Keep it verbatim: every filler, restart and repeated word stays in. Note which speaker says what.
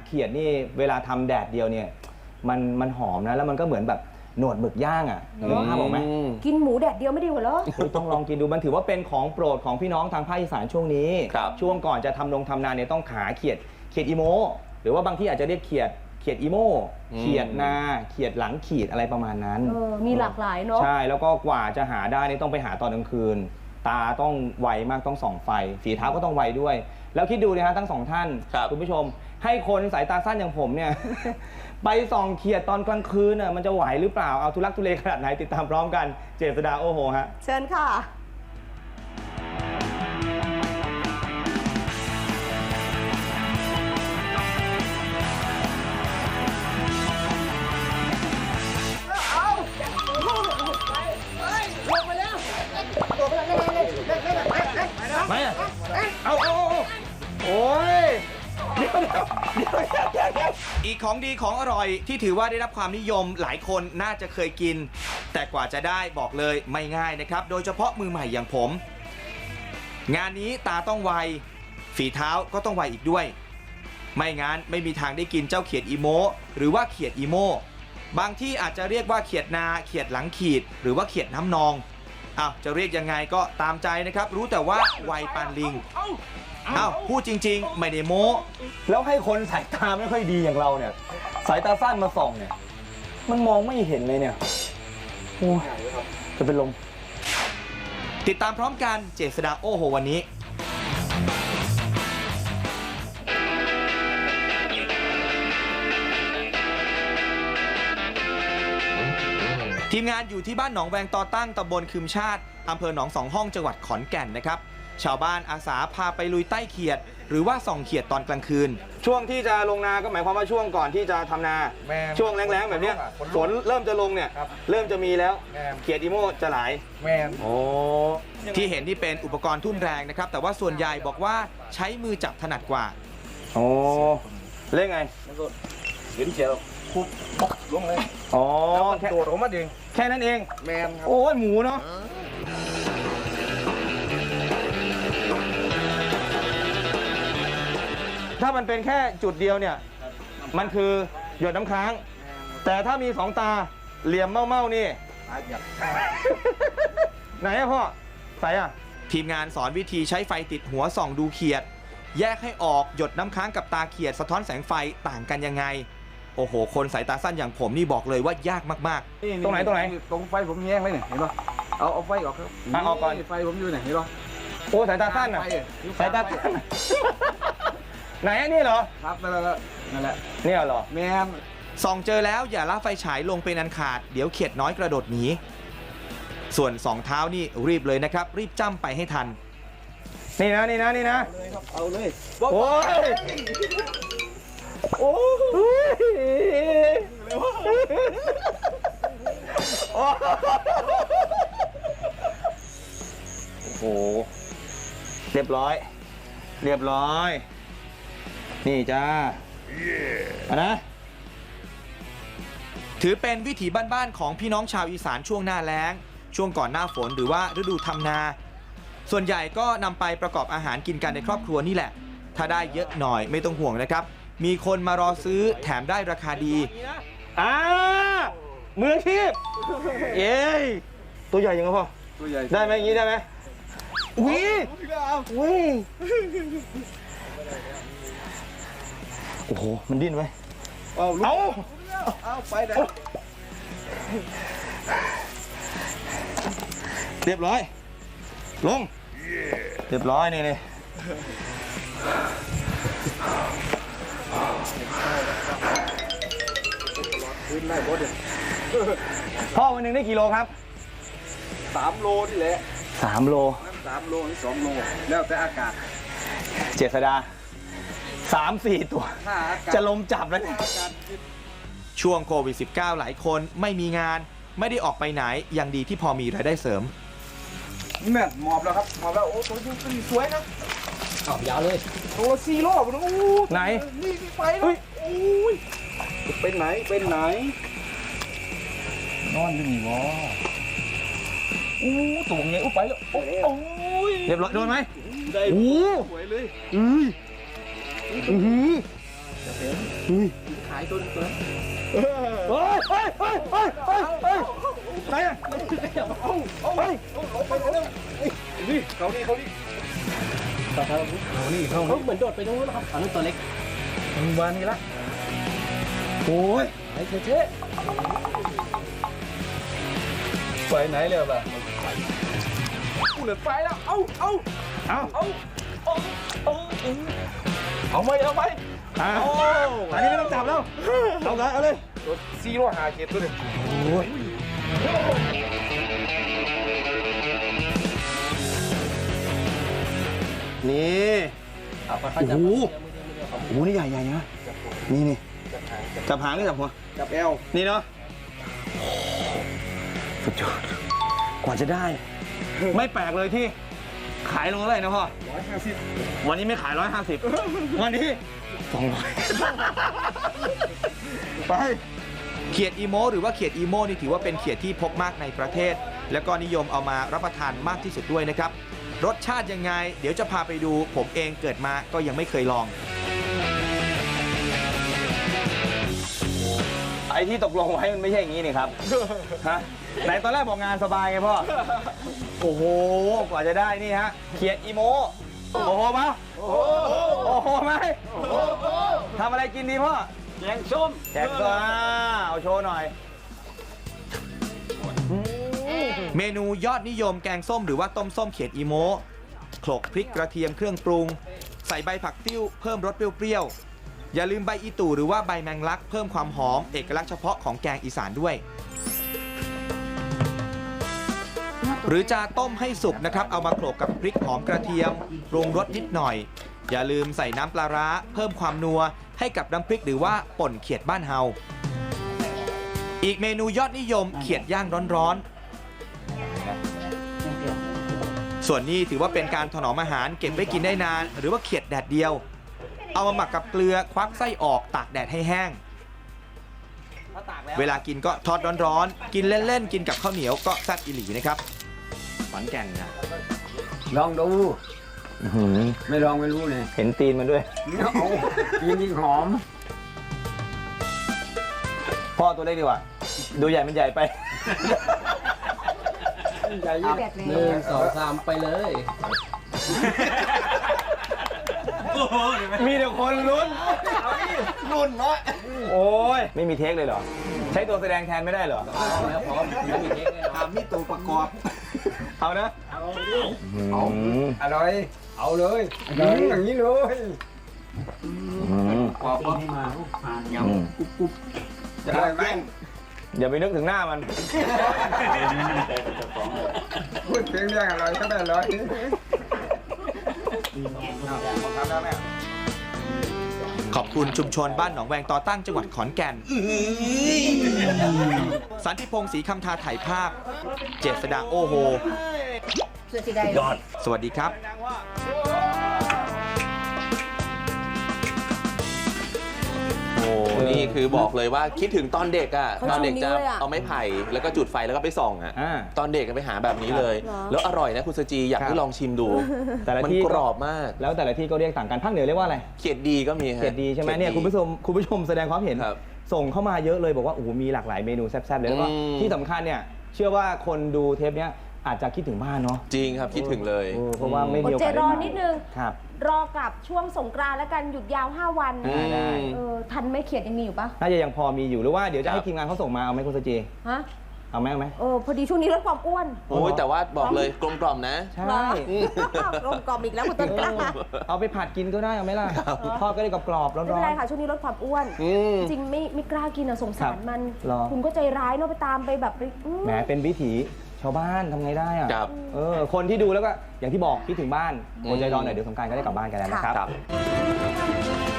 Speaker 1: เขียดนี่เวลาทำแดดเดียวเนี่ยมันมันหอมนะแล้วมันก็เหมือนแบบหนวดหมึกย่างอ่ะนึกภาพออกไหม
Speaker 2: กินหมูแดดเดียวไม่ดีกว่าเหรอ
Speaker 1: ต้องลองกินดูมันถือว่าเป็นของโปรดของพี่น้องทางภาคอีสานช่วงนี้ช่วงก่อนจะทำลงทำนาเนี่ยต้องขาเขียดเขียดอีโมหรือว่าบางที่อาจจะเรียกเขียดเขียดอีโมเขียดนาเขียดหลังขีดอะไรประมาณนั้น
Speaker 2: มีหลากหลายเนาะ
Speaker 1: ใช่แล้วก็กว่าจะหาได้นี่ต้องไปหาตอนกลางคืนตาต้องไวมากต้องส่องไฟฝีเท้าก็ต้องไวด้วยแล้วคิดดูนะฮะทั้งสองท่านคุณผู้ชมให้คนสายตาสั้นอย่างผมเนี่ยไปส่องเขียดตอนกลางคืนน่ะมันจะไหวหรือเปล่าเอาทุลักทุเลขนาดไหนติดตามพร้อมกันเจษฎาโอ้โหฮะ
Speaker 2: เชิญค่ะ
Speaker 1: ไม่อะเอาเอาโอ้ยเดี๋ยวเดี๋ยวเดี๋ยวเดี๋ยวอีกของดีของอร่อยที่ถือว่าได้รับความนิยมหลายคนน่าจะเคยกินแต่กว่าจะได้บอกเลยไม่ง่ายนะครับโดยเฉพาะมือใหม่อย่างผมงานนี้ตาต้องไวฝีเท้าก็ต้องไวอีกด้วยไม่งั้นไม่มีทางได้กินเจ้าเขียดอีโมหรือว่าเขียดอีโมบางที่อาจจะเรียกว่าเขียดนาเขียดหลังขีดหรือว่าเขียดน้ำนองอ้าวจะเรียกยังไงก็ตามใจนะครับรู้แต่ว่าไวปานลิงอ้าวพูดจริงๆไม่ได้โม้แล้วให้คนสายตาไม่ค่อยดีอย่างเราเนี่ยสายตาสั้นมาส่องเนี่ยมันมองไม่เห็นเลยเนี่ยโอ้ยจะเป็นลมติดตามพร้อมกันเจษฎาโอ้โหวันนี้ทีมงานอยู่ที่บ้านหนองแวงตอตั้งตำบลคืมชาติอำเภอหนองสองห้องจังหวัดขอนแก่นนะครับชาวบ้านอาสาพาไปลุยใต้เขียดหรือว่าส่องเขียดตอนกลางคืนช่วงที่จะลงนาก็หมายความว่าช่วงก่อนที่จะทำนาช่วงแรงๆแบบนี้ฝนเริ่มจะลงเนี่ยเริ่มจะมีแล้วเขียดอีโมจะหลาย
Speaker 3: แม่โอ้
Speaker 1: ที่เห็นที่เป็นอุปกรณ์ทุ่นแรงนะครับแต่ว่าส่วนใหญ่บอกว่าใช้มือจับถนัดกว่าโอ้เล่นไง
Speaker 3: เห็นเขียดคุบปกลงเลย
Speaker 1: อ๋อ
Speaker 3: โดดออกมาเอง
Speaker 1: แค่นั้นเอง
Speaker 3: แมนครับ
Speaker 1: โอ้ยหมูเนาะถ้ามันเป็นแค่จุดเดียวเนี่ยมันคือหยดน้ำค้างแต่ถ้ามีสองตาเหลี่ยมเม่าๆนี่ไหนอะพ่อใส่อะทีมงานสอนวิธีใช้ไฟติดหัวส่องดูเขียดแยกให้ออกหยดน้ำค้างกับตาเขียดสะท้อนแสงไฟต่างกันยังไงโอ้โหคนสายตาสั้นอย่างผมนี่บอกเลยว่ายากมากๆตรงไหนตรงไหน
Speaker 3: ตรงไฟผมแห้งเลยเนี่ยเห็นป่ะเอาเอาไฟออกครับ
Speaker 1: ออกก่อน
Speaker 3: ไฟผมอยู่ไหนเห็นป่ะ
Speaker 1: โอ้สายตาสั้นอะสายตาสั้นไหนนี่เหรอ
Speaker 3: ครับนั่นแหละนั่นแหละ
Speaker 1: นี่เหรอ
Speaker 3: แมน
Speaker 1: ส่องเจอแล้วอย่าละไฟฉายลงเป็นอันขาดเดี๋ยวเขียดน้อยกระโดดหนีส่วนสองเท้านี่รีบเลยนะครับรีบจ้ำไปให้ทันนี่นะนี่นะนี่นะ
Speaker 3: เอาเลย
Speaker 1: โอ้ยโอ้โหเรียบร้อยเรียบร้อยนี่จ้าอ่ะนะถือเป็นวิถีบ้านๆของพี่น้องชาวอีสานช่วงหน้าแล้งช่วงก่อนหน้าฝนหรือว่าฤดูทำนาส่วนใหญ่ก็นำไปประกอบอาหารกินกันในครอบครัวนี่แหละถ้าได้เยอะหน่อยไม่ต้องห่วงนะครับมีคนมารอซื้อแถมได้ราคาดีอ่ามืออาชีพเย้ตัวใหญ่ยังไงพ่อ
Speaker 3: ตัวใหญ่
Speaker 1: ได้ไหมอย่างนี้ได้ไหมวิวิโอ้โหมันดิ้นไว้
Speaker 3: เอา
Speaker 1: เอา
Speaker 3: เอาไปได้
Speaker 1: เรียบร้อยลงเรียบร้อยนี่นี่พ่อวันหนึ่งได้กี่โลครับ
Speaker 3: สามโลนี่แหละ
Speaker 1: สามโล
Speaker 3: สามโลหรือสองโลแล้วแต่อากาศ
Speaker 1: เจษฎาสามสี่ตัวจะลมจับแล้วช่วงโควิด สิบเก้า หลายคนไม่มีงานไม่ได้ออกไปไหนยังดีที่พอมีรายได้เสริม
Speaker 3: นี่แม่หมอบแล้วครับหมอบแล้วโอ้ตัวนี้สวยนะ
Speaker 1: ขับยาวเลย
Speaker 3: ตัวซีโร่ผมโอ้
Speaker 1: ไหน
Speaker 3: นี่ไปแล้วโอ้ยเป็นไหนเป็นไหนนอนอยู่นี่วะโอ้ตัวไงโอ้ไปแล้วโอ้
Speaker 1: ยเรียบร้อยโดนไหม
Speaker 3: ได้สวยเลย
Speaker 1: อืออือ
Speaker 3: ขายตัวตัวนั้น
Speaker 1: เฮ้ยเฮ้ยเฮ้ยเฮ้ยเฮ้ยเฮ้ยไหนอะ
Speaker 3: เอาเอาไปเอาไปเอานี่เขานี่เขานี่เขาเขานี่เขาเหมือนโดดไปตรงนู้นนะครับอันนั้นตัวเล็ก
Speaker 1: มันวานนี่ละโอ้ย
Speaker 3: ไอ้เจ๊ไปไหนเร็วล่ะกูเหลือไฟแล้วเอาเอา
Speaker 1: เอา
Speaker 3: เอาเอาเอาเอาไหมเอาไหม
Speaker 1: เอาอันนี้ไม่ต้องจับแล้วเอาเลยเอาเลย
Speaker 3: ตัวซีโร่หาเก็บตัวหนึ่ง
Speaker 1: โอ้ยนี่
Speaker 3: เอาไป
Speaker 1: โอ้โหโอ้โหนี่ใหญ่ใหญ่นะนี่นี่จับหางหรือจับหัว
Speaker 3: จับแอล
Speaker 1: นี่เนาะสุดยอดกว่าจะได้ ไม่แปลกเลยที่ขายลงเท่าไหร่นะพ่อ
Speaker 3: ร้อยห้าสิบ
Speaker 1: วันนี้ไม่ขายร้อยห้าสิบวันนี้สองร้อยไปเขียดอีโมหรือว่าเขียดอีโมนี่ถือว่าเป็นเขียดที่พบมากในประเทศ แล้วก็นิยมเอามารับประทานมากที่สุดด้วยนะครับรสชาติยังไงเดี๋ยวจะพาไปดูผมเองเกิดมาก็ยังไม่เคยลองไอ้ที่ตกลงไว้มันไม่ใช่อย่างนี้นี่ครับฮะไหนตอนแรกบอกงานสบายไงพ่อโอ้โหกว่าจะได้นี่ฮะเขียดอีโมโอ้โหมาโอ้โหโอ้โหไหมทำอะไรกินดีพ่อแกงส้มแกงส้มเอาโชว์หน่อยเมนูยอดนิยมแกงส้มหรือว่าต้มส้มเขียดอีโมโขลกพริกกระเทียมเครื่องปรุงใส่ใบผักติ้วเพิ่มรสเปรี้ยวๆอย่าลืมใบอีตู่หรือว่าใบแมงลักเพิ่มความหอมเอกลักษณ์เฉพาะของแกงอีสานด้วยหรือจะต้มให้สุกนะครับเอามาโขลกกับพริกหอมกระเทียมปรุงรสนิดหน่อยอย่าลืมใส่น้ำปลาร้าเพิ่มความนัวให้กับน้ำพริกหรือว่าป่นเขียดบ้านเฮาอีกเมนูยอดนิยมเขียดย่างร้อนๆส่วนนี้ถือว่าเป็นการถนอมอาหารเก็บไว้กินได้นานหรือว่าเขียดแดดเดียวเอามาหมักกับเกลือควักไส้ออกตากแดดให้แห้งเวลากินก็ทอดร้อนๆกินเล่นๆกินกับข้าวเหนียวก็แซ่บอีหลีนะครับขอนแก่นนะ
Speaker 4: ลองดูไม่ลองไม่รู้เลย
Speaker 1: เห็นตีนมันด้วย
Speaker 4: เอากินยิ่งหอม
Speaker 1: พ่อตัวเล็กดีกว่า ดูใหญ่มันใหญ่ไป
Speaker 4: ใหญ่ยิ่ง
Speaker 2: แดด
Speaker 3: ห
Speaker 2: เล
Speaker 3: นึ่
Speaker 2: ย
Speaker 3: งสองสามไปเลย
Speaker 1: มีแต่คนลุ้นลุ้นเนาะโอ้ยไม่มีเทคเลยเหรอ ใช้ตัวแสดงแทนไม่ได้เหรอ
Speaker 3: แล้วพร้อมไม่มีเทคแน่นอน
Speaker 4: ทำนี่ตัวประกอบ
Speaker 1: เอานะ
Speaker 4: เอาอร่อย เอาเลยอย่างนี้เลยขอบคุณมาผ่านยำกุ๊บกุ๊บจะได้ไหม
Speaker 1: อย่าไปนึกถึงหน้ามัน
Speaker 4: พูดถึงเรื่องอร่อยก็ได้อร่อย
Speaker 1: ขอบคุณชุมชนบ้านหนองแวงต่อตั้งจังหวัดขอนแก่น สันติพงศ์ศรีคำทาถ่ายภาพ เจษดาโอโฮ
Speaker 2: เสื้อสีแดง
Speaker 1: ยอด สวัสดีครับ
Speaker 5: โอ้นี่คือบอกเลยว่าคิดถึงตอนเด็กอ่ะ ตอนเด็กจะเอาไม้ไผ่แล้วก็จุดไฟแล้วก็ไปส่องอ่ะ
Speaker 1: อ่า
Speaker 5: ตอนเด็กก็ไปหาแบบนี้เลย แล้วอร่อยนะคุณสจีอยากให้ลองชิมดู
Speaker 1: แต่ละ
Speaker 5: มัน
Speaker 1: ที่
Speaker 5: กรอบมาก
Speaker 1: แล้วแต่ละที่ก็เรียกต่างกันภาคเหนือเรียกว่าอะไร
Speaker 5: เขียดดีก็มีฮะ
Speaker 1: เขียดดีใช่ไหมเนี่ยคุณผู้ชมคุณผู้ชมแสดงความเห็น
Speaker 5: ครับ
Speaker 1: ส่งเข้ามาเยอะเลยบอกว่าโอ้โหมีหลากหลายเมนูแซ่บๆเลยแล้วก็
Speaker 5: อืม
Speaker 1: ที่สำคัญเนี่ยเชื่อว่าคนดูเทปเนี้ยอาจจะคิดถึงบ้านเนาะ
Speaker 5: จริงครับคิดถึงเลย
Speaker 1: เออเพราะว่าไม่
Speaker 2: อ
Speaker 1: มี
Speaker 2: ด
Speaker 1: โอ
Speaker 2: ใจ
Speaker 1: กาส
Speaker 2: ร
Speaker 1: ได้
Speaker 2: อ
Speaker 1: มา
Speaker 2: นิดนึง
Speaker 1: ครับ
Speaker 2: รอกับช่วงสงกรานต์แล้วกันหยุดยาว ห้า วัน
Speaker 5: อืม
Speaker 1: ได้
Speaker 2: เออทันไหม่เขียดยังมีอยู่ปะ
Speaker 1: น่าจะยังพอมีอยู่หรือว่าเดี๋ยวจะ
Speaker 5: ครั
Speaker 1: ให้
Speaker 5: บ
Speaker 1: ทีมงานเขาส่งมาเอาไหมคุณสจี
Speaker 2: ฮะ
Speaker 1: เอาไหมเอาไหม
Speaker 2: เออพอดีช่วงนี้ลดความอ้วน
Speaker 5: โอ้ยแต่ว่าบอกเลยกลมกล่อมนะ
Speaker 1: ใช่
Speaker 2: เหรอกลมกล่อมอีกแล้วคุณต้นกล้า
Speaker 1: เอาไปผัดกินก็ได้เอาไหมล่ะทอดก็ได้กรอบๆร้
Speaker 2: ไม่
Speaker 1: อ
Speaker 2: เป็น
Speaker 1: น
Speaker 2: ไรค่ะช่วงนี้ลดความอ้วน
Speaker 5: อืม
Speaker 2: จริงไม่ไม่กล้ากินอ่ะสงสารมัน
Speaker 1: หรอ
Speaker 2: คุณก็ใจร้ายเนาะไปตามไปแบบไปอืม
Speaker 1: ๆแหมเป็นวิถีชาวบ้านทำไงได้อะ
Speaker 5: ครับ
Speaker 1: เออคนที่ดูแล้วก็อย่างที่บอกคิดถึงบ้านอดใจรอหน่อยเดี๋ยวสงกรานต์ก็ได้กลับบ้านกันแล้วนะครับ
Speaker 5: ครับ